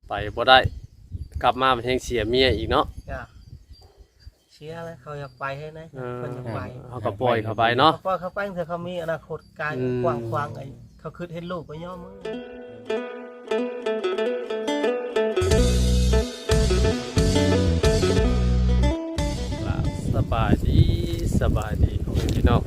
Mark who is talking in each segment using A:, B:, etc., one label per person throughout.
A: ไปบ่ได้กลับมามันยังเสียเมียอีกเนาะ
B: จ้ะเชียร์แล้วเขาอยากไปให้นะคนอยากไป
A: เขาก็ปล่อยเขาไปเนาะ
B: พอเขาไปเถอะเขามีอนาคตไกลกว้างขวางไอ้เขาคิดเห็นลูกไปย่อมือ
A: สบายดีของพี่น้อง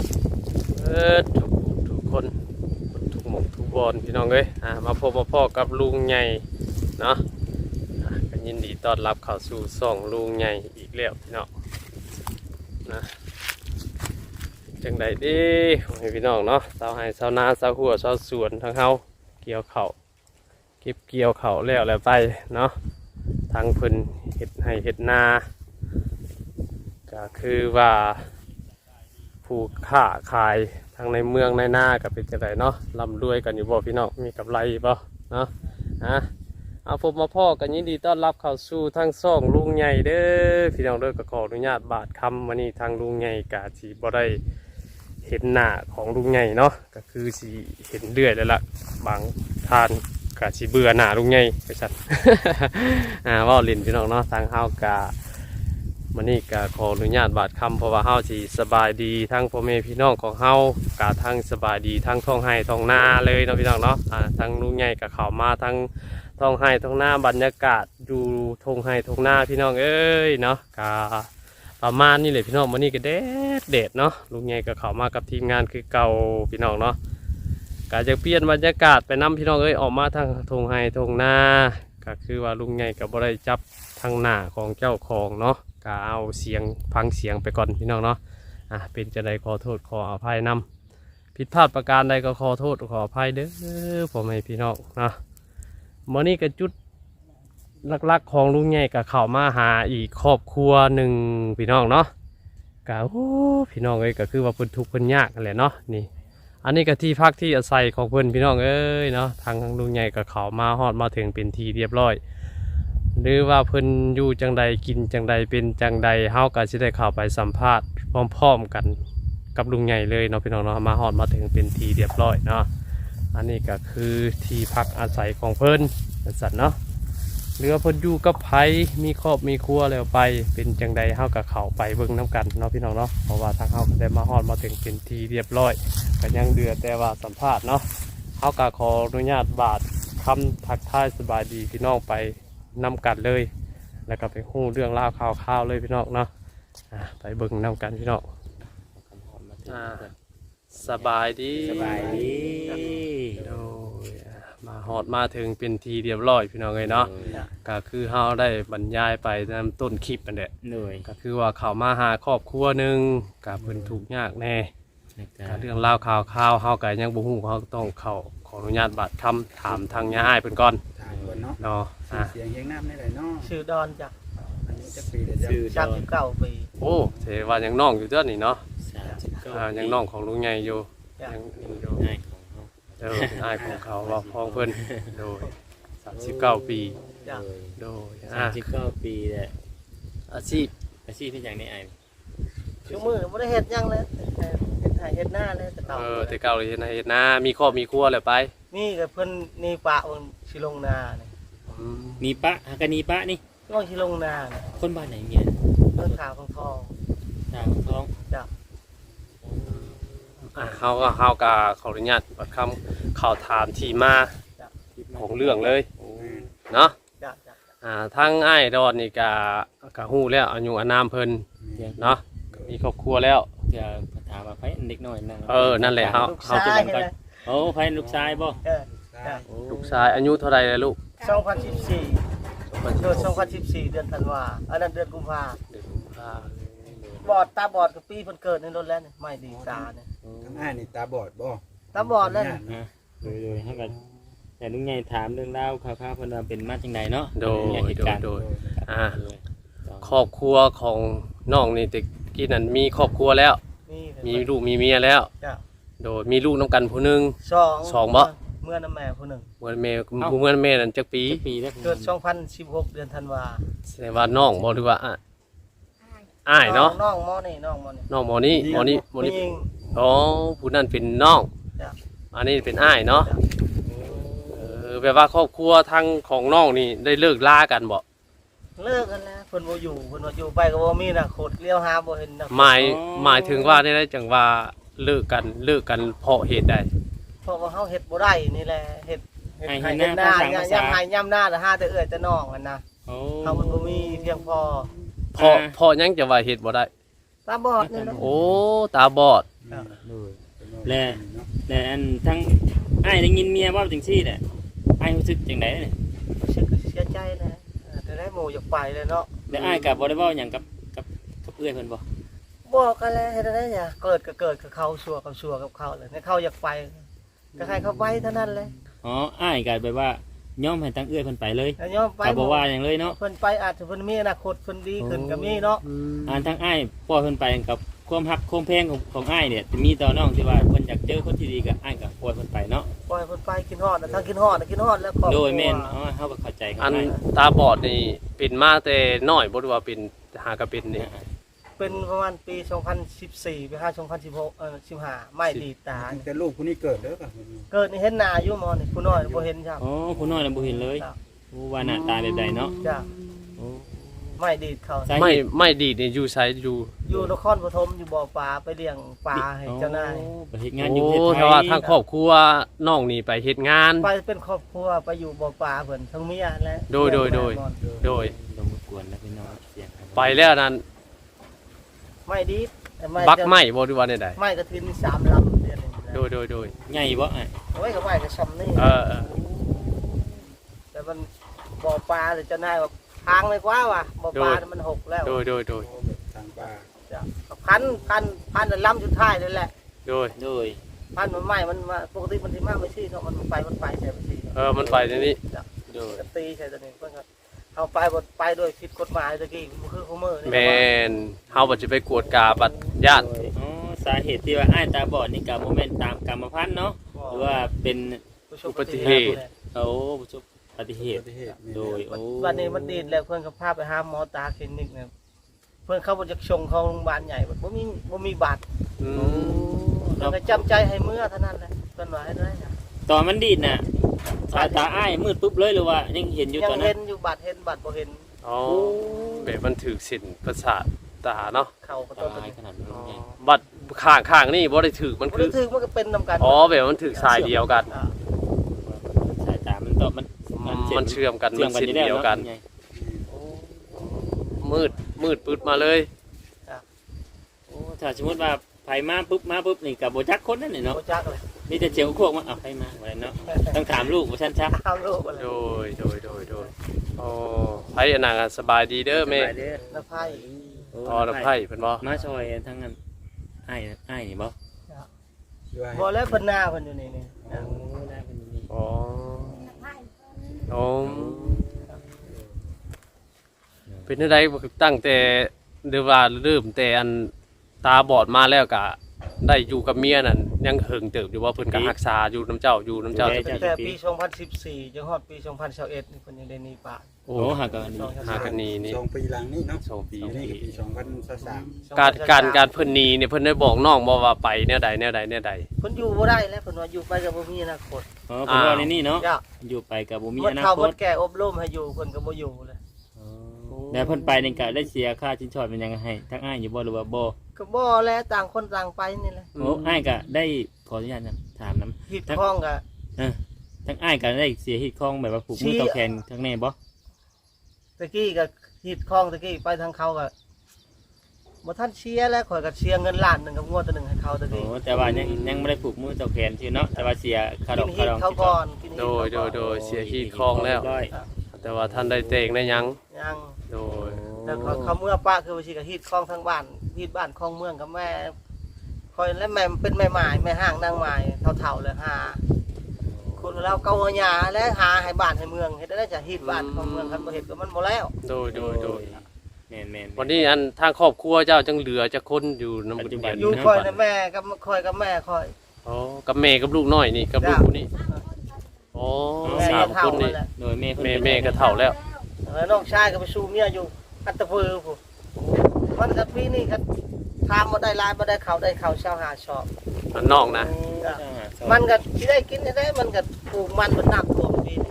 A: ทุกคนทุกหมกทุกบอลพี่น้องเอ้ยมาพบมาพ่อกับลุงใหญ่เนาะก็ยินดีต้อนรับเข้าสู่ช่องลุงใหญ่อีกแล้วพี่น้องนะจังใดดีของพี่น้องเนาะชาวไร่ชาวนาชาวหัวชาวสวนทั้งเฮาเกี่ยวเข่าเก็บเกี่ยวเข่าแล้วไปเนาะทางเพิ่นเฮ็ดให้เฮ็ดนาก็คือว่าผู้ค้าขายทางในเมืองในนาก็เป็นจังไดเนาะร่ำรวยกันอยู่บ่พี่น้องมีกำไรบ่เนาะเอาผมมาพ่อกันยินดีต้อนรับเข้าสู่ทางช่องลุงใหญ่เด้อพี่น้องเด้อก็ขออนุญาตบาดคำวันนี้ทางลุงใหญ่กะสิบ่ได้เห็นหน้าของลุงใหญ่เนาะก็คือสิเห็นเรื่อยแล้วล่ะบางทานกะสิเบื่อหน้าลุงใหญ่ไปสั่น ว่าเล่นพี่น้องเนาะทางเฮากะวันนี้ก็ขออนุญาตบาดคำเพราะว่าเฮาสิสบายดีทั้งพ่อแม่พี่น้องของเฮากะทั้งสบายดีทั้งท้องไร่ท้องนาเลยเนาะพี่น้องเนาะทั้งลุงใหญ่ก็เข้ามาทั้งท้องไร่ท้องนาบรรยากาศอยู่ท้องไร่ท้องนาพี่น้องเอ้ยเนาะกะประมาณนี้เลยพี่น้องวันนี้ก็เด็ดเนาะลุงใหญ่ก็เข้ามากับทีมงานคือเก่าพี่น้องเนาะกะจะเปลี่ยนบรรยากาศไปนำพี่น้องเอ้ยออกมาทางท้องไร่ท้องนาก็คือว่าลุงใหญ่ก็บ่ได้จับทางหน้าของเจ้าของเนาะก็เอาเสียงฟังเสียงไปก่อนพี่น้องเนาะเป็นจะได้ขอโทษขออภัยนำผิดพลาดประการใดก็ขอโทษขออภัยเด้อผมให้พี่น้องเนาะมื้อนี้ก็จุดลักๆของลุงใหญ่ก็เข้ามาหาอีกครอบครัวหนึ่งพี่น้องเนาะก็พี่น้องเอ้ยก็คือว่าเพิ่นทุกข์เพิ่นยากนั่นแหละเนาะนี่อันนี้ก็ที่พักที่อาศัยของเพิ่นพี่น้องเอ้ยเนาะทางลุงใหญ่ก็เข้ามาฮอดมาถึงเป็นที่เรียบร้อยหรือว่าเพิ่นอยู่จังใดกินจังใดเป็นจังใดเฮาก็สิได้เข้าไปสัมภาษณ์พร้อมๆกันกับลุงใหญ่เลยเนาะพี่น้องเนาะมาฮอดมาถึงเป็นที่เรียบร้อยเนาะอันนี้ก็คือที่พักอาศัยของเพิ่นสัตว์เนาะหรือว่าเพิ่นอยู่กับไผมีครอบมีครัวแล้วไปเป็นจังใดเฮาก็เข้าไปเบิ่งน้ำกันเนาะพี่น้องเนาะเพราะว่าทางเฮาก็ได้มาฮอดมาถึงเป็นที่เรียบร้อยก็ยังเดือแต่ว่าสัมภาษณ์เนาะเฮาก็ขออนุญาตบาดคำทักทายสบายดีพี่น้องไปนำกันเลยแล้วก็ไปฮู้เรื่องราวข่าวๆเลยพี่น้องเนาะไปเบิ่งนำกันพี่น้องสบายดีโดยมาฮอดมาถึงเป็นทีเรียบร้อยพี่น้องเลยเนาะก็คือเฮาได้บรรยายไปตามต้นคลิปนั่นแหละก็คือว่าเขามาหาครอบครัวหนึ่งกับเพิ่นทุกข์ยากแน่เรื่องราวข่าวเฮาก็ยังบ่ฮู้เฮาต้องเข้าขออนุญาตบาดคำถามทางย่าอ้ายเพิ่นก่อนเนาะ
C: เสียงเฮียงน้ำได้ไหนเนาะ
B: ชื่อดอนจ้ะ
C: จะปีเดียว
B: 39 ปี
A: โอ้เทว่ายังน้องอยู่เด้อนี่เนาะยังน้องของลุงใหญ่อยู่ยังอยู่อ้ายของเขาว่าพ้องเพิ่นโดย39 ปีโดย
D: 39 ปีแหละอาชีพที่อย่างนี้ไอ้
B: ชั่วมือบ่ได้เฮ็ดหยังเลยเฮ็ดหน้าเลยแต่เก่า
A: แต่เก่าเลยเฮ็ดนามีครอบมีครัวแล้วไป
B: มีกับเพิ่นนี่ปะสิลงนานี่
D: นีปะหากะนีปะนี่
B: น้องสิลงนานี่
D: คนบ้านไหนเมีย
B: เพิ่นขาวของทองจ้ะ
A: เฮาก็ขออนุญาตบัดคำข่าวถามที่มาของเรื่องเลยเนาะทั้งอ้ายดอนนี่ก็ฮู้แล้วอายุอานามเพิ่นเนาะมีครอบครัวแล้ว
D: จะถามว่าไผเด็กน้อยนั่น
A: นั่นแหละเฮา
B: จะ
D: กันก่อนโอ้ไผลูกชายบ่
A: ลูกชายอายุเท่าไรแล้วลูก
B: 2014เดือน2014เดือนธันวาอันนั้นเดือนกุมภาบอดตาบอดกับปีเพิ่นเกิดในรถแล้วนี่ไม่ดีตาเนี่ย
C: ทั้งอ้ายนี่ตาบอดบ่
B: ตาบอดแล้ว
D: โดยเฮาก็แต่ลุงใหญ่ถามเรื่องราวข่าวๆเพิ่นว่าเป็นมาจังไดเนาะ
A: โดยครอบครัวของน้องนี่ตะกี้นั้นมีครอบครัวแล้วมีลูกมีเมียแล้วโดยมีลูกน้องกันผู้นึง2บ่
B: เมื่อน้ำแม่ผู้นึง
A: เมื่อแม่นั้นจักปี
B: แล้วเกิด2016เดือนธันวา
A: แสดงว่าน้องบ่หรือว่าอ้ายเนาะ
B: น้องมอนี่
A: อ๋อผู้นั้นเป็นน้องอันนี้เป็นอ้ายเนาะแบบว่าครอบครัวทางของน้องนี่ได้เลิกลากันบ่
B: เลิกกันแล้วเพิ่นบ่อยู่เพิ่นว่าอยู่ไปก็บ่มีอนาคตเลี้ยวหาบ่เห็นอนาคต
A: หมายถึงว่าได้จังว่าเลิกกันเพราะเหตุใด
B: เพราะว่าเฮาเฮ็ดบ่ได้นี่แหละเฮ็ด
D: ให้
B: ให้
D: ห
B: เฮ็ดห
D: น้า
B: น้า
D: ภาษาภาษา
B: ย่ำให้ย่ำหน้าแต่หาแต่เอื้อยแต่น้องกันนะ
D: โอ้
B: เฮามันบ่มีเพียงพอ
A: เพราะยังจะว่าเหตุบ่ได้
B: ตาบอดนี่แหละ
A: โอ้ตาบอด
D: และและอันทั้งอ้ายได้ยินเมียว่าจังซี่แหละอ้ายรู้สึกจังได๋เนี่ย
B: รู้สึกเสียใจนะแต่ได้หมู่อยากไปเลยเนาะ
D: และอ้ายก็บ่ได้เว้าหยังกับเอื้อยเพิ่นบ่
B: บอกกันแล้วเฮ็ดได้หยังเกิดก็เกิดกับเขาชัวกับชัวกับเขาเลยให้เขาอยากไปก็ให้เขาไปเท่านั้นเลย
D: อ๋ออ้ายก็แบบว่ายอมให้ทั้งเอื้อยเพิ่นไปเลย
B: แล้วยอมไป
D: ก็บ่ว่าหยังเลยเนาะ
B: เพิ่นไปอาจจะเพิ่นมีอนาคตเพิ่นดีขึ้นก็มีเนาะ
D: อันทั้งอ้ายปล่อยเพิ่นไปกับความฮักความแพงของอ้ายเนี่ยจะมีต่อน้องที่ว่าเพิ่นอยากเจอคนที่ดีกับอ้ายก็ปล่อยเพิ่นไปเนาะ
B: ปล่อยเพิ่นไปกินฮอดนะทั้งกินฮอดนะกินฮอดแล้วก็
D: โดยแม่นอ๋อเฮาก็เข้าใจกัน
A: อัน
D: ได้
A: ตาบอดนี่เป็นมาแต่น้อยบ่รู้ว่าเป็นหากระเป็นนี่
B: เป็นประมาณปี 2014ไปหา2016 15ไม่ดีตา
C: แต่ลูกผู้นี้เกิดเด้อป่ะ
B: เกิดนี่เห็นหน้าอยู่หมอนี่ผู้น้อยบ่เห็นจ้ะ
D: อ๋อผู้น้อยน่ะบ่เห็นเลย
B: จ้ะ
D: โอ้ว่าหน้าตาแบบใดเนาะ
B: จ้ะ
D: โอ้
B: ไม่ดีดเขา
D: สาเหตุ
A: ไม่ดีดนี่อยู่ไสอยู่
B: อยู่นครปฐมอยู่บ่อปลาไปเลี้ยงปลาให้เจ้านาย
D: โอ้ไปเฮ็ดงานอยู่
A: โอ้
D: ประเทศไท
A: แต่
D: ย
A: ว่าทางครอบครัวน้องนี่ไปเฮ็ดงาน
B: ไปเป็นครอบครัวไปอยู่บ่อปลาเพิ่นทั้งเมียและ
A: โดย โดย
D: ลงมากวนแล้วพี่น้องเสียง
A: ไปแล้วนั้น
B: ไม่ดีด
A: บักไม่บ่รู้ว่าใด
B: ไม่กระทิน3ลำเดือนนึง
A: ๆโดย
D: ใหญ่บ่อ้าย
B: โอ้ยก็ไม่ก็ซ้ำนี่
A: เออ
B: แต่มันบ่อปลาแต่เจ้านายว่าทางเลยกว่าว่ะบ่อปลาเนี่ยมันหกแล้ว
A: โดย
C: ทางป่า
B: จ้ะพันแต่ลำสุดท้ายนั่นแหละ
D: โดย
B: พันมันไม่มันมาปกติมันสิมาไม่ใช่เนาะมันไปใช่บ่สิ
A: มันไปในนี้
D: โดย
B: ก็ตีใช่ตัวนี้เพิ่นก็เอาไปบ่ไปโดยผิดกฎหมายตะกี้มันคือคุมเมอร์นี่
A: แม่นเฮาบ่สิไปกวดกาบัดญาติ
D: อ๋อสาเหตุที่ว่าอ้ายตาบอดนี่ก็บ่แม่นตามกรรมพันธุ์เนาะหรือว่าเป็น
A: อุบัติเหตุ
D: โอ้ประสบอุบัติเหตุ
C: ประเทศนี่
D: โดยโอ้
B: วันนี้มันดีดแล้วเพิ่นก็พาไปหาหมอตาคลินิกเนี่ยเพิ่นเข้าบ่จักชงเข้าโรงพยาบาลใหญ่บ่มีบัตร
A: อืม
B: เราก็จำใจให้เมื่อเท่านั้นแหละเพิ่นว่าให้ได้จ้ะ
D: ตอนมันดีดน่ะตาอ้ายมืดปุ๊บเลยหรือว่ายังเห็นอยู่
B: ยั
D: ตอน
B: ง
D: นั้
B: เห็
D: น
B: นอยู่บัตรเห็นบัตรบ่เห็น
A: อ๋อแบบมันถือสินประสาทตาเนาะ
B: เข้าก็ต้อง
D: ตายขนาดนั้นไง
A: บัดข้างนี่บ่ได้ถือมัน
B: บ่
A: คื
B: ได้
A: อ
B: ถือมันก็เป็นนำกัน
A: อ๋อแบบมันถือสายเดียวกัน
B: อ่า
D: สายตามันตอบมัน
A: เชื่อมกัน
D: เชื่
A: มั
D: อน มกัน
A: สิน
D: อยู่แล้ว
A: เดียวกัน
D: ไง
A: มืดปึ๊ดมาเลย
D: โอ้ถ้าสมมติว่าไผมาปุ๊บนี่กับโบจักคนนั่นนี่เนาะ
B: บ่จักเลย
D: นี่จะเจียวพวกมาเอาไผมาอะไรเนาะต้องถามลูกว่าฉันชัก
B: ตามโลกอะไร
A: โดยอ๋อไผอันนั้นสบายดีเด้อแม่
B: แล้วไพ่
A: อ๋อแล้วไผเพิ่นบ่
D: มาซอยทั้งนั้นอ้ายนี่บ่
B: บ่แล้วเพิ่นหน้าเพิ่นอยู่นี่
D: ได้เป็นนี่
A: อ๋ออ๋อเป็นจังไดตั้งแต่หรือว่าเริ่มแต่อันตาบอดมาแล้วก็ได้อยู่กับเมียนั่นยังเหิงเติบอยู่ว่าเพิ่นก็รักษาอยู่น้ำเจ้าอยู่น้ำเจ้า
B: ตั้งแต่ปี 2014จนฮอดปี 2021นี่เพิ่นยังได้หนีป่า
A: โอ้
D: โอ้หักกันนี่
A: หากันนี่
C: 2 ปีหลังนี่เนาะ
A: 2 ปี
C: นี่ก็ปี2023
A: การเพิ่นหนีเนี่ยเพิ่นได้บอกน้องบ่ว่าไปแนวใด
B: เพิ่นอยู่บ่ได้แล้วเพิ่นว่าอยู่ไปก็บ่มีอนาคต
D: อ๋อเป็นว่าในนี่เนาะ
B: จ้ะ
D: อยู่ไปกับบ่มี
B: เพิ่
D: อน นา
B: เข้า
D: ค
B: เพิ่
D: ต
B: นแก่อบรมให้อยู่เพิ่นก็บ่อยู่เลย
D: แล้วเพิ่นไปนี่ก็ได้เสียค่าชิ้นชอดเป็นยังไงให้ทั้งอ้ายอยู่บ่หรือว่าบ่
B: ก็บ่แล้วต่างคนต่างไปนี่แหละ
D: โอ้อ้ายก็ได้ขออนุญาตนะถามน้
B: หิดคล้องก็
D: ำทั้งอ้ายก็ได้เสียฮิตคองแบบว่าผูกมือต่อแขนทั้งแน่บ่
B: ตะกี้ก็หิดคล้องตะกี้ไปทางเขาก็บ่ทันเชียร์แล้วข่อยก็เชียร์เงินล้านหนึงกับงวดตัวหนึงให้เขาตะ
D: โอ้
B: กี้
D: แต่ว่ายังไม่ได้ผูกมือต่อแขนชื่อเนาะแต่ว่าเสียค่าด
B: กิ
D: อก
B: น
D: ค่า
B: หิด
D: ดอง
B: เขาก่อนกินหิด
A: โด
B: เขา
A: ย
B: ก่อน
A: โดยเสียฮีดคลองแล้ว
D: ร้อย
A: แต่ว่าท่านได้เตงได้หยัง
B: ยัง
A: โดย
B: แล้วเขาเมื่อป้าคือว่าสิก็หิดคล้องทั้งบ้านหิดบ้านคล้องเมืองกับแม่คอยและแม่เป็นแม่หมายแม่ห้างนางหมายเฒ่าๆเลยหาคุณเราเกาหัวหญ้าและหาให้บ้านให้เมืองเฮ็ดได้จะหิดบ้านของเมืองคันบ่เฮ็ดก็มันบ่แล้ว
A: โดย
D: แม่น
A: วันนี้อันทางครอบครัวเจ้าจังเหลือจะคนอยู่น้ำบุญบัน
B: อยู่คอยนะแม่กับคอยกับแม่คอย
A: อ๋อกับแม่กับลูกน้อยนี่กับลูกผู้นี่อ๋อ
B: แม่
A: สาม
B: เฒ่า
A: คนนี่
B: นั่นแหละ
D: โดยแม่เพิ่น
A: แม่ก็เฒ่าแล้ว
B: น้องชายก็ไปสู้เมียอยู่อัตตะพือผู้มันก็ปีนี้ก็ทามบ่ได้ลายบ่ได้ข้าวชาวหาชอบ
A: อันนอกนะ
B: มันก็สิได้กินได้มันก็ปลูกมันมันน้ำท่วมปีนี้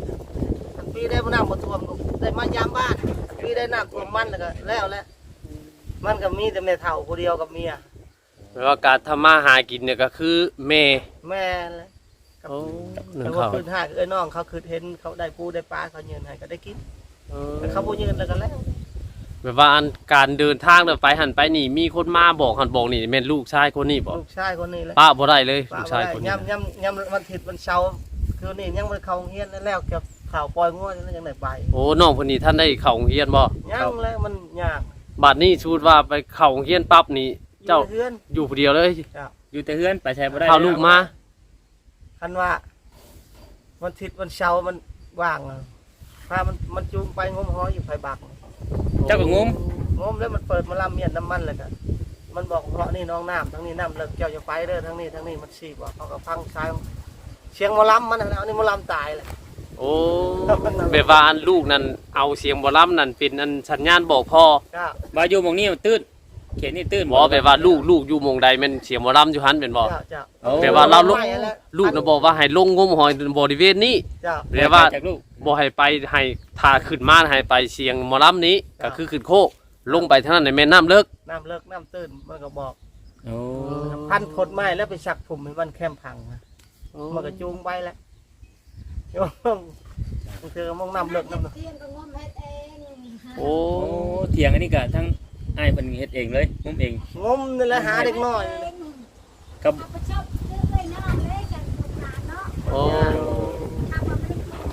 B: ปีได้บ่น้ำบ่ท่วมได้มายามบ้านปีได้น้ำท่วมมันแล้วมันก็มีแต่แม่เฒ่าผู้เดียวกับเมีย
A: แปลว่าการทำมาหากินเนี่ยก็คือแม่
B: แม่เลย
A: โอ้หนึ่
B: แต่
A: ง
B: ว่า
A: เขา
B: คืนหากน้องเขาคือเห็นเขาได้ปูได้ปลาเขายืนให้ก็ได้กินแต่เขาบ่ยืนแล้วก็แล้ว
A: แบบว่าอันการเดินทางเดินไปหันไปนี่มีคนมาบอกหันบอกนี่แม่นลูกชายคนนี้บอก
B: ลูกชายคนนี้แหละ
A: ป้าบ่ได้เลย
B: ป้า
A: ลูก
B: บ่
A: ชาย
B: ได้
A: คนนี้
B: ย่ำวันอาทิตย์วันเสาร์คือนี่ยังบ่เข้าโรงเรียนแล้วเก็บข่าวปล่อยงัวยังได้ไป
A: โอ้น้องคนนี้ท่านได้เข้าโรงเรียนบ่
B: ยังแล้วมันยาก
A: บัดนี้ชูดว่าไปเข้าโรงเรียนปั๊บนี่เจ้า
B: อยู่ในเรือน
A: อยู่ผู้เดียวเลย
D: อยู่แต่เฮือนไปใช้บ่ได้
A: เอาลูกมา
B: คันว่าวันอาทิตย์วันเสาร์มันว่างอะพามันจูงไปงมหอยอยู่ไผบัก
D: เจ้าก็งม
B: งมแล้วมันเปิดมาลำเมียนน้ำมันเลยกันมันบอกเพราะนี่น้องน้ำทั้งนี้น้ำเลิกเจ้าจะไปเด้อทั้งนี้มันสีบอกเขาก็พังซ้ายเสียงหมอลำมันนะเอานี่หมอลำตายเลย
A: โอ้แบบว่าอันลูกนั่นเอาเสียงบ่ล่ำนั่นเป็นอันสัญญาณบอกพ่อ
B: ก็
D: ว่าอยู่หม่องนี้มันตื้นเขตนี่ตื้น
A: บ่แบบว่าลูกอยู่หม่องใดแม่นเสียงบ่ล่ำอยู่หันเป็นบ่
B: เจ้า
D: โอ้
A: แบบว่าเรา
B: ไม่แล้ว
A: ลูกน่ะบอกว่าให้ลงงมหอยบริเวณนี้
B: เจ้า
A: แบบว่า
D: จากลูก
A: บ่ให้ไปให้ทาขึ้นมาให้ไปเสียงหมอลำนี้ก็คือขึ้นโคกลงไปทางนั้นในแม่น้ำเลิก
B: น้ำเลิกน้ำตื้นมันก็บอก
D: โอ้
B: พันผลไม้แล้วไปชักผมให้มันแคมพังนะมันก็จูงไปแล้วโยมมันคือมองน้ำเลิกน้ำ
E: เตียงก็งมเฮ็ดเอง
A: โอ้
D: โอ้เถียงอันนี้ก็ทั้งอ้ายเพิ่นเฮ็ดเองเลยงมเอง
B: งมนี่แหละหาเด็กน้อย
D: กับ
E: เอาไปชอบซื้อเลยน้องเลยกันลูกหลานเนาะ
A: โอ้
E: ทำมาไม่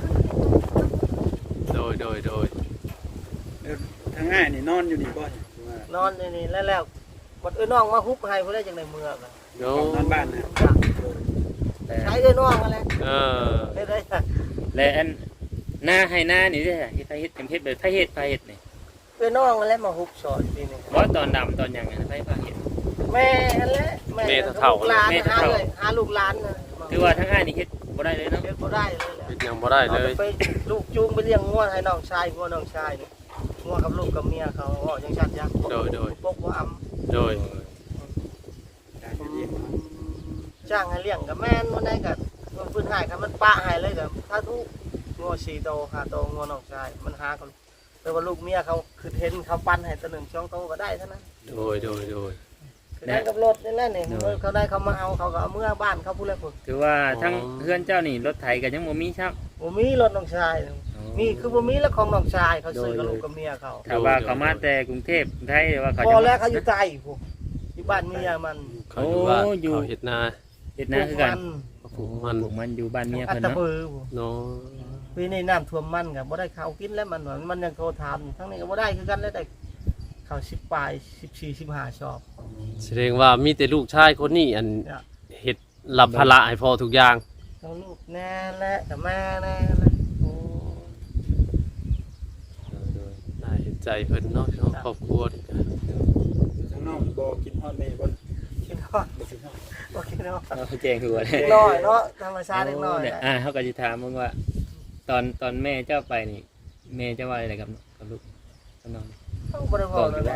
E: ได้
A: โดย
C: ทางง่ายนี่นอนอยู่นี่บ่ว่าน
B: อนนี่แล้วมันน้องมาฮุบให้เพื่อได้จังในเมืองอะ
A: โด
C: นอนบ้านนะ
D: แต่
B: ใช้ได้น้องอะไร
A: เออ
B: ได้
D: และอันหน้าให้หน้านี่เด้อเฮ็ดให้เฮ็ดเป็นเฮ็ดแบบไผเฮ็ดไผเฮ็ดนี่
B: เป็นน้องอะไรมาฮุบสอนปีนี้
D: บ่ตอนดำตอนหยังอะไผพาเฮ็ด
B: แม่อะไรแม่ลูกหลานหาเลยหาลูกหลานนะ
D: ถือว่าทั้งอ้ายนี่เฮ็ดบ่ได้เลยเนาะ
B: เลี้ยงก็ได้เลยแหละ
A: เป็นยังบ่ได้เลย
B: ไปลูกจูงไปเลี้ยงงัวให้น้องชายงัวน้องชายนี่งัวกับลูกกับเมียเขายังชัดยักษ์ปกว่าอำ
A: โดย
C: การจะเลี้ยงเนาะ
B: จ้างให้เลี้ยงกับแม่นวันไหนกับมันพื้นหายครับมันปะหายเลยกับถ้าทุกงัว4 โต5 โตงัวน้องชายมันหาเขาแต่ว่าลูกเมียเขาคือเห็นเขาปั้นให้ตัว1 2 โตก็ได้เท่านั้น
A: โดย
B: คือได้กับรถนี่แหละนี่เขาได้เขามาเอาเขาก็เอาเมื่อบ้านเขาพูดแล้วพุ่น
D: ถือว่าทั้งเพื่อนเจ้านี่รถไถก็ยังบ่มีครับ
B: บ่มีรถน้องชายมีคือบ่มีแล้วของน้องชายเขาซื้อกับลูกกับเมียเขา
D: ถ้าว่าเขามาแต่กรุงเทพไทยว่าเขา
B: พอ
D: จะ
B: แล้วเขาอยู่ใต้พุ่นอยู่บ้านเมียมัน
A: เขาอยู่ว่าเขาเฮ็ดนา
D: เฮ็ดนาคือกัน
A: เขาปลูกมัน
D: พวกมันอยู่บ้านเมีย
B: อัต
D: เพิ่น
B: ตะ
D: เนาะ
B: เบือพุ่น
A: เนาะ
B: ปีนี้น้ำท่วมมันกับบ่ได้ข้าวกินแล้วมันยังโทรถามทั้งนี้ก็บ่ได้คือกันแล้วได้ข้าว10 ปลาย14 15ชอบ
A: แสดงว่ามีแต่ลูกชายคนนี้อันเฮ็ดรับภาระให้พ่อทุกอย่าง
B: ทั้งลูกแน่และกับแม่แน่และโอ้
A: น่าเห็นใจเพิ่นเนาะพี่น้องครอบครัวนี่ก็
C: ทางน้องบ่กินฮอดแม่บ่
B: คิดว่า
C: บ่กินฮอด
B: โอเคเนาะ
D: เราแจ้งหัวเลย
B: เล็กน้อยเนาะธรรมชาติเล็กน้อย
D: เนี่ยเขาก็จะถามมึงว่า ตอนแม่เจ้าไปนี่แม่เจ้าว่าอะไรกับลูกกับน้อง
B: เขาบ่ได้บอกเท่าใด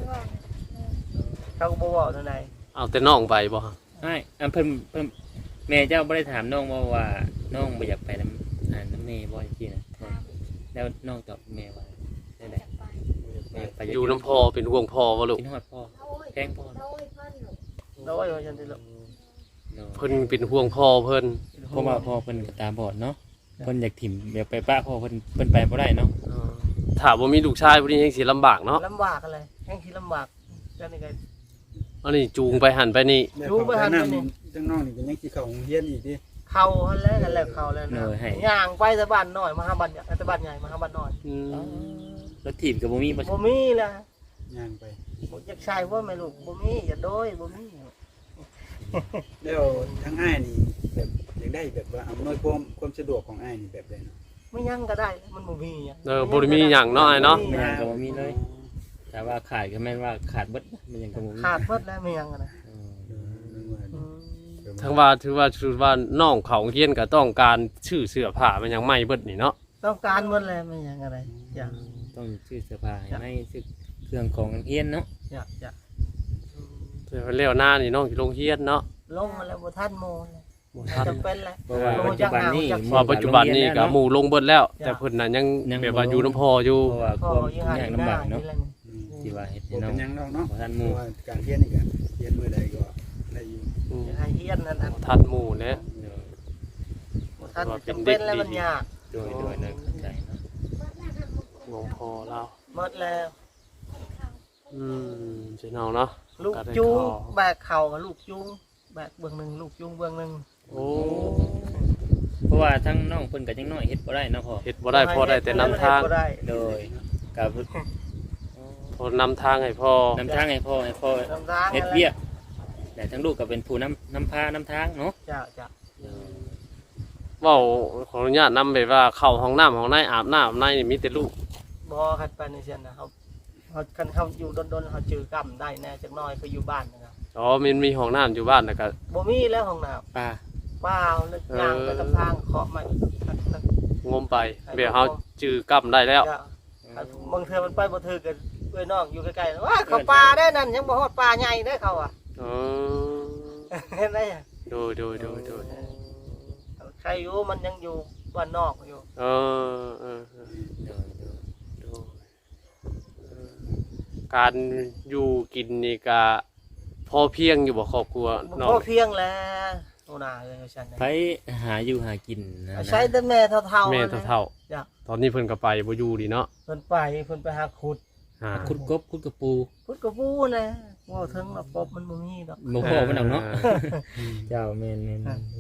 B: เขาก็บ่บอกเท่าใด
A: เอาแต่น้องไปบ่
D: ใช่อันเพิ่นแม่เจ้าไม่ได้ถามน้องว่าน้องไม่อยากไปน้ำแม่บ่จริงๆนะแล้วน้องตอบแม่ว่าได้ไหนไม่อยากไป
A: อยู่น้ำพ่อเป็นห่วงพ่อบ่ลูก
D: กินฮอดพ่อ
E: โอ้ย
D: แพงพ่อ
E: โอ้ยเพิ่นลูก
B: น้อยว่าฉันสิลูก
A: เพิ่นเป็นห่วงพ่อเพิ่น
D: เพราะว่าพ่อเพิ่นตาบอดเนาะเพิ่นอยากถิ่มอยากไปป้าพ่อเพิ่นไปบ่ได้เนาะ
A: ถ้าบ่มีลูกชายผู้นี้ยังสิลำบากเนาะ
B: ลำบากอะไรแห้งที่ลำบากจังนี่ก็
A: อันนี้จูงไปหันไปนี่
C: แล้ว
B: รู้
C: เขา
B: บ่
C: ไป
B: ทัน
C: นั่ง
B: นี่
C: จังน้องนี่ก็ยังสิเข้าโรงเรียนอีกดิ
B: เข้าหั่นแล้วกันแล้วเข้าแล้วนะย่างไปแต่บ้านน้อยมาหาบ้านใหญ่แต่บ้านใหญ่มาหาบ้านน้อย
D: รถถิ่มกับบ่มีบ่
B: บ่มีล่ะ
C: ย่างไป
B: บ่อยากใช้ว่าแม่ลูกบ่มีอย่าโดยบ่มี
C: แล้วทางอ้ายนี่แบบอยากได้แบบว่าอำนวยความสะดวกของอ้ายนี่แบบใดเนาะ
B: ไม่ยังก็ได้มันบ่มีอะ
A: บ่ได้มีหยังเนาะไอ้เนาะ
D: มันยังก็บ่มีเลยแต่ว่าขาดก็แม่นว่าขาดเบิดมันยังก็บ่มี
B: ขาดหมดแล้วไม่ยังอะนะ
D: อืม
B: อืม
A: ทั้งว่าถือว่าน้องเขาเฮียนก็ต้องการชื่อเสื้อผ้ามันยังไม่เบิดนี่เนาะ
B: ต้องการหมดแล้วไม่ยังอะไรอยาก
D: ต้องซื้อเสื้อผ้าให้ไม่ซื้อเครื่องของเฮียนเนาะ
B: อยาก
A: แต่ว่าแล้วหน้านี่น้องสิลงเฮียนเนาะ
B: ลงมาแล้วบ่ทันโมเลย
A: บบ่ทัน
B: จำเป็นแหละ
D: เพราะว่าปัจจุบันนี้
A: ว่าปัจจุบันนี้ก็ห
D: มู่
A: มู่ลงเบิดแล้ว
B: จ้ะ
A: แต่เพิ่นน่ะยัง
D: ยัง
A: แบบว่าอยู่น้ำพออยู่
D: เพราะว่า
B: พ่อ
D: ความ
B: ยังหาย
D: ยาก
B: หน้า
D: ลำบากเนาะ
B: นี่แหละ
D: ที่ว่าเฮ็ด
C: บ่
D: ให้น้อ
C: เป็
D: ง
C: นหยังดอกเนาะ
D: บ่ทันห
C: เพ
D: มู่
C: ราะว่าการเรียนนี่ก็เรียนมื้อใดก็ได้อยู่
A: อืม
B: ยังให้เฮียนนั่นน่ะ
A: ทันหมู่เนี่ย
B: ท่านจำเป็นแล้วมันยาก
D: โดยเข้าใจเนาะ
A: งงพอแล้ว
B: หมดแล้ว
A: พี่น้องเนาะ
B: ลูก
A: ก็ได้
B: จูง
A: เข้า
B: แบกเข่ากับลูกจูงแบกเบื้องหนึ่งลูกจูงเบื้องหนึ่ง
A: โอ้
D: เพราะว่าทั้งน้องเพิ่นก็ยังน้อยเฮ็ดบ่ได้เนาะพ่อ
A: เฮ็ดบ่ได้พอได้แต่นำทาง
B: บ่ได้
D: โดยกับ
A: พอนำทางให้พ่อน
D: ำทางให้พ่อ
B: นำทาง
D: เฮ็ดเวียกแต่ทั้งลูกก็เป็นผู้นำพานำทางเนาะ
B: จ้าจ้า
A: เว้าขออนุญาตนำไปว่าเข้าห้องน้ำห้องในอาบน้ำอาบในนี่มีแต่ลูก
B: บ่คันไปในเสียนนะเขาคันเขาอยู่ดนๆเขาจือกรรมได้แน่จักหน้อยเขาอยู่บ้านนะครับ
A: อ๋อมันมีห้องน้ำอยู่บ้านแล้วก็
B: บ่มีแล้วห้องน้
D: ป้า
B: ำเปล่านึกย่างไปตามทางเคาะไม่
A: งมไปเดี๋ยวเฮาจื้อกำได้แล้ว
B: จ้าบางเทื่อมันไปบ่ถือกันเอ้ยน้องอยู่ใกล้ๆว่าเขาปลาได้นั่นยังบ่ฮอดปลาใหญ่ได้เขาอ่ะ
A: อ๋อ
B: เห็นไหมอะ
A: โดย
B: ใครอยู่มันยังอยู่บ้านนอกอยู่
A: เออ
D: โดย
A: โดยการอยู่กินนี่ก็พอเพียงอยู่บ่ครอบครัวน้อง
B: พอเพียงแล้วโน่นาเลยฉัน
D: ไปหาอยู่หากินนะ
B: ใช้แต่แม่เท่าๆ
A: แม่เท่า
B: จ้ะ
A: ๆตอนนี้เพิ่นก็ไปบ่อยู่ดีเนาะ
B: เพิ่นไปหาขุด
D: คุดกบคุดกระปู
B: ขุดกระปูนะว่าถึงแล้วกบมันบ่มีดอก
D: บ่พอมันเอาเนาะเจ้าแม่น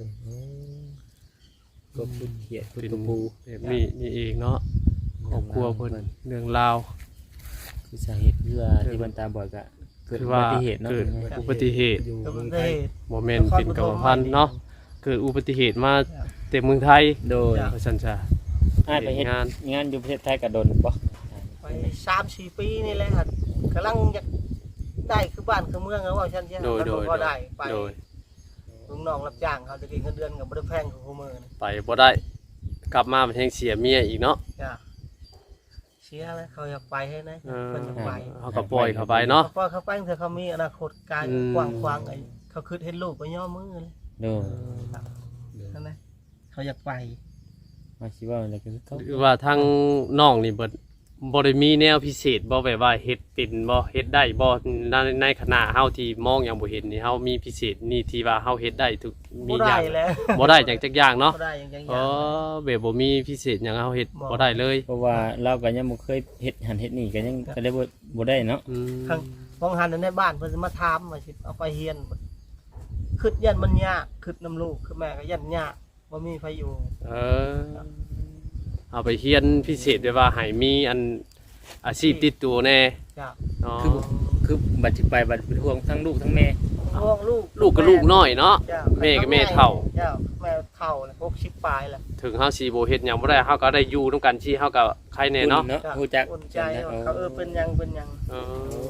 D: กบคุดเขียดคุด
A: เป็น
D: กระปู
A: แบบนี้นี่เองเนาะครอบครัวเพิ่นเรื่องราว
D: คือสาเหตุคือว่าที่มันตาบอดก็เกิด
A: คือ
D: อุ
A: ว่า
D: บัติเหตุเนาะ
A: เกิดอุบัติเหตุ
C: อยู่
B: ก็
C: เมื
B: มั
C: อน ง
B: ได้
C: ไทย
A: บ่แม่นเป็นกรรมพันธุ์เนาะเกิดอุบัติเหตุมาเต็มเมืองไทย
D: โดย
A: เพราะฉะนั้นจ้ะ
D: อ้ายไปเฮ็ด
A: งาน
D: งานอยู่ประเทศไทยก็โดนบ่
B: ไป3-4 ปีนี่แหละครับกำลังอยากได้คือบ้านคือเมืองแล้วว่าฉันใช่
A: โดย
B: มันก็ได้ไป
A: โดย
B: ลุงน้องรับจ้างเขาจะกินเงินเดือนก็บ่ได้แพงคือคู่มื้อนี่
A: ไปบ่ได้กลับมามันแฮงเสียเมียอีกเนาะ
B: จ้ะเสียแล้วเขาอยากไปให้นะ
A: เออ
B: เพิ่นอยากไป
A: เขาก็ปล่อยเขาไปเนาะ
B: พอเขาไปเถอะเขามีอนาคตไกล
A: อืม
B: กว้างๆไอ้เขาคิดเห็นลูกไปย่อมือเลย
D: โดย
B: นั่นนะเขาอยากไป
D: มาสิว่าอะไรก็คือเขา
A: หรือว่าทางน้องนี่บ่ได้มีแนวพิเศษบ่แบบว่าเฮ็ดเป็นบ่เฮ็ดได้บ่ในขณะเฮาที่มองยังบ่เห็นนี่เฮามีพิเศษนี่ที่ว่าเฮาเฮ็ดได้ทุกมี
B: บ่
A: อ
B: ได้
A: ย่าง
B: แล้ว
A: บ่ได้อย่างจักอย่างเนาะ
B: บ่ได้อย่าง
A: อ๋อแบบบ่มีพิเศษหยังเฮาเฮ็ดบ่ได้เลย
D: เพราะว่าเราก็ยังบ่เคยเฮ็ดหันเฮ็ดนี่ก็ยังก็เลยบ่ได้เนาะ
A: อืม
B: ข้างมองหันในบ้านเพิ่นสิมาถามว่าสิเอาไปเฮียนคิดยันมันยากคิดน้ำลูกคือแม่ก็ยันยากบ่มีไผอยู่
A: เออเอาไปเฮียนพิเศษได้ว่าให้มีอันอาชีพติดตัวแน่
B: จ้ะ
A: อ๋อ
D: คือบัดสิไปบัดเป็นห่วงทั้งลูกทั้งแม่
B: ห่วงลูก
A: ลูกก็ลูกน้อยเนาะ
B: จ้ะ
A: แม่ก็แม่เฒ่า
B: จ้ะแม่เฒ่าแล้ว60ปลายแล้ว
A: ถึงเฮาสิบ่เฮ็ดหยังบ่ได้เฮาก็ได้อยู่นํกันที่เฮาก็ใครแน่เนาะ
B: จ้ะ
D: ฮู้จัก
B: อุ่นใจว่าเขาเป็นหยัง
A: เออ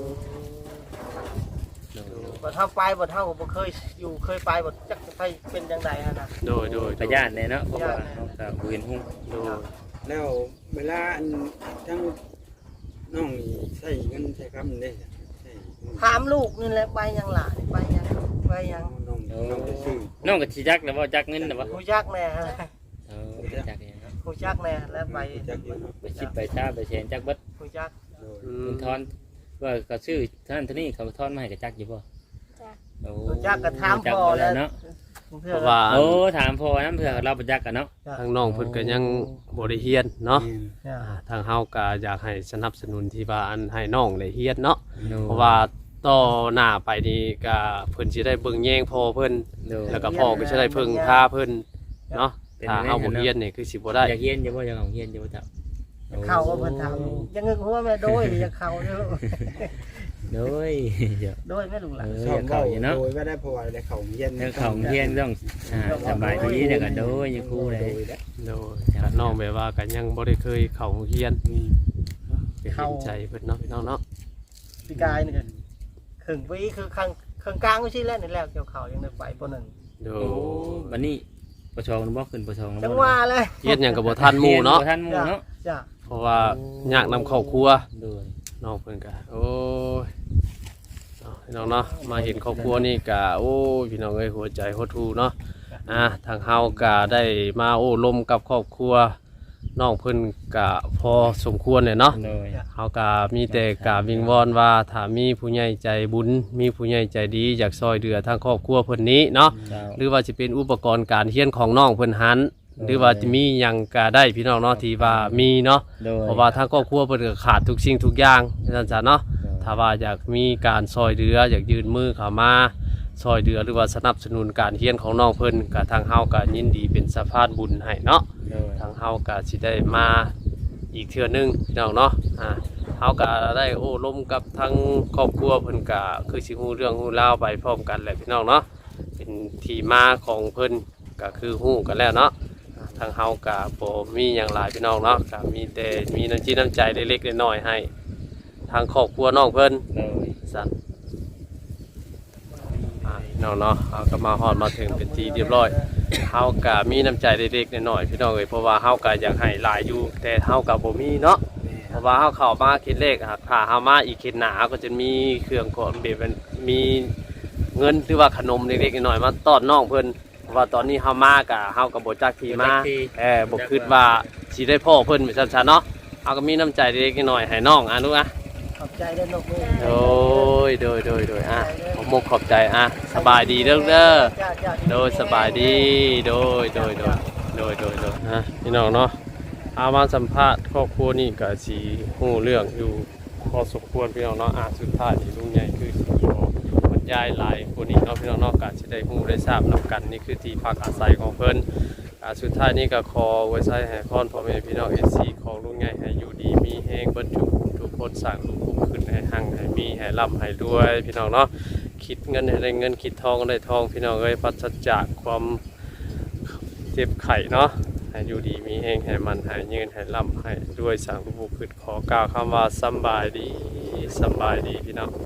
B: บ่เท่าไปบ่เท่าบ่เคยอยู่เคยไปบ่จักไปเป็นจังไดหั่นน่ะ
A: โดย
D: พยานแน่เนาะเพราะว่าเฮาก็บ่เห็นฮู้
A: โดย
C: แล้วเวลาอันทั้งน้องนี่ใช้เงินใช้คำได้จ้ะใช้
B: ถามลูกนี่แหละไปยังหล่ะไปยัง
C: น้องไปซื้อ
D: น้องก็สิจักแล้วว่าจักเงินน่ะบ่
B: ฮู้จักแน่ฮะ
D: จักอย่างเนาะ
B: ฮู้จักแน่แล้วไป
C: จักอยู่เนาะ
D: ไปชิดไปชาไปแสนจักเบิด
B: ฮู้จัก
C: โดย
A: อื
D: เงิ
A: ม
D: นทอนว่าก็ซื้อท่านเท่านี้เขาทอนมาให้ก็จักอยู่บ่
E: จ้ะ
D: โอ้
B: ฮู้จักก็ถามพ่อแล้ว
D: เนาะ
A: เพราะว่า
D: โอ้ถามพ่อนํเผื่อเราบ่จักกันเนาะ
A: ทางน้องเพิ่นก็ยังบ่ได้เฮียนเนาะ
C: แม่น
A: ทางเฮาก็อยากให้สนับสนุนที่ว่าอันให้น้องได้เฮียนเนาะเพราะว่าต่อหน้าไปนี่ก็เพิ่นสิได้เบิ่งแยงพ่อเพิ่นแล้วก็พ่อก็สิได้เพิ่งพาเพิ่นเนาะถ้าเฮาบ่เฮียนนี่คือสิบ่ได้
D: อยากเฮียนอยู่บ่อยากเอาเฮียนอยู่บ่จ้ะ
B: เข้าก็เพิ่นถามยังงึกหัวแม่โดยอยากเข้าเด้อ
D: โดยเดี๋ยว
B: โดยแม่ลุงหล่ะ
C: ชอบ
D: อยากเข้าอยู่เนาะ
C: โดยว่าได้เพราะว่าได้เข้าเย็น
D: เรื่องของเฮียนต้องสบายดีแล้วก็โดยอยู่คู่เลย
A: โดยก็น้องแบบว่าก็ยังบ่ได้เคยเข้าโรงเรียน
C: นี่
A: ก็เห็นใจเพิ่นเนาะพี่น้องเนาะ
B: พี่กายนี่ก็ครึ่งปีคือข้างกลางไม่ใช่แล้วนี่แล้วเกี่ยวเขายังได้ไปปนึง
A: โด
D: โอ้
A: ย
D: วันนี้ประชองบ่ขึ้นประชอง
B: จังว่าเลย
A: เฮียนหยังก็บ่ทันหมู่เนาะ
D: ทันหมู่เนาะ
B: จ้ะ
A: เพราะว่ายากนำครอบครัว
D: โดย
A: น้องเพิ่นก็โอ้ยเอาพี่น้องเนาะมาเห็นครอบครัวนี่ก็โอ้ยพี่น้องเอ้ยหัวใจหดหู่เนาะทางเฮาก็ได้มาโอ้ลมกับครอบครัวน้องเพิ่นก็พอสมควรเลยเนาะ
D: โดย
A: เฮาก็มีแต่กราบวิงวอนว่าถ้ามีผู้ใหญ่ใจบุญมีผู้ใหญ่ใจดีอยากซอยเหลือทางครอบครัวเพิ่นนี้เนาะ
D: เจ้า
A: หรือว่าจะเป็นอุปกรณ์การเรียนของน้องเพิ่นหันหรือว่าจะมีหยังก็ได้พี่น้องเนาะที่ว่ามีเนาะ
D: โดย
A: เพราะว่าทางครอบครัวเพิ่นก็ขาดทุกสิ่งทุกอย่างนั่นจ้ะเนาะถ้าว่าอยากมีการซอยเหลืออยากยืนมือเข้ามาซอยเหลือหรือว่าสนับสนุนการเรียนของน้องเพิ่นก็ทางเฮาก็ยินดีเป็นสะพานบุญให้เนาะ
D: โดย
A: ทางเฮาก็สิได้มาอีกเทื่อนึงพี่น้องเนาะเฮาก็ได้โอ้ล้มกับทั้งครอบครัวเพิ่นก็คือสิฮู้เรื่องฮู้ราวไปพร้อมกันแหละพี่น้องเนาะเป็นที่มาของเพิ่นก็คือฮู้กันแล้วเนาะทางเฮาก็บ่มีหยังหลายพี่น้องเนาะก็มีแต่มีน้ำจิตน้ำใจเล็กๆน้อยๆให้ทางครอบครัวน้องเพิ่น
D: โดย
A: สั่นพี่น้องเนาะเฮาก็มาฮอดมาถึงเป็นที่เรียบร้อยเฮาก็มีน้ำใจเล็กๆน้อยๆพี่น้องเอ้ยเพราะว่าเฮาก็อยากให้หลายอยู่แต่เฮาก็บ่มีเนาะ เพราะว่าเฮาเข้ามาคิดเลขครับถ้าเฮามาอีกคิดหนาก็จะมีเครื่องของแบบมีเงินหรือว่าขนมเล็กๆน้อยๆมาต้อนน้องเพิ่นเพราะว่าตอนนี้เฮามาก็เฮาก็บ่จักที่มาบ่คิดว่าสิได้พ่อเพิ่นไปซั่นๆเนาะเฮาก็มีน้ำใจเล็กๆน้อยๆให้น้องลูกอ่ะ
B: ขอบใจเด้อนกมือ
A: โดยผมขอบใจสบายดีเด้อเด้อ
B: จ้าจ้า
A: โดยสบายดีโดยพี่น้องเนาะเอามาสัมภาษณ์ครอบครัวนี่ก็สิฮู้เรื่องอยู่พอสมควรพี่น้องเนาะสุดท้ายนี่ลุงใหญ่คือสิขอบรรยายหลายคนนี้เนาะพี่น้องเนาะก็สิได้ฮู้ได้ทราบนํกันนี่คือที่พักอาศัยของเพิ่นสุดท้ายนี่ก็ขอไว้ใช้ให้พรพ่อแม่พี่น้อง FC ของลุงใหญ่ให้อยู่ดีมีแฮงเบิดทุกคนสร้างลูกขึ้นให้หั่งให้มีให้ร่ำให้รวยพี่น้องเนาะคิดเงินให้ได้เงินคิดทองได้ทองพี่น้องเอ้ยปราศจากความเจ็บไข้เนาะให้อยู่ดีมีแฮงให้มันให้ยืนให้ร่ำให้รวยสร้างลูกขึ้นขอกล่าวคำว่าสำบายดีพี่น้อง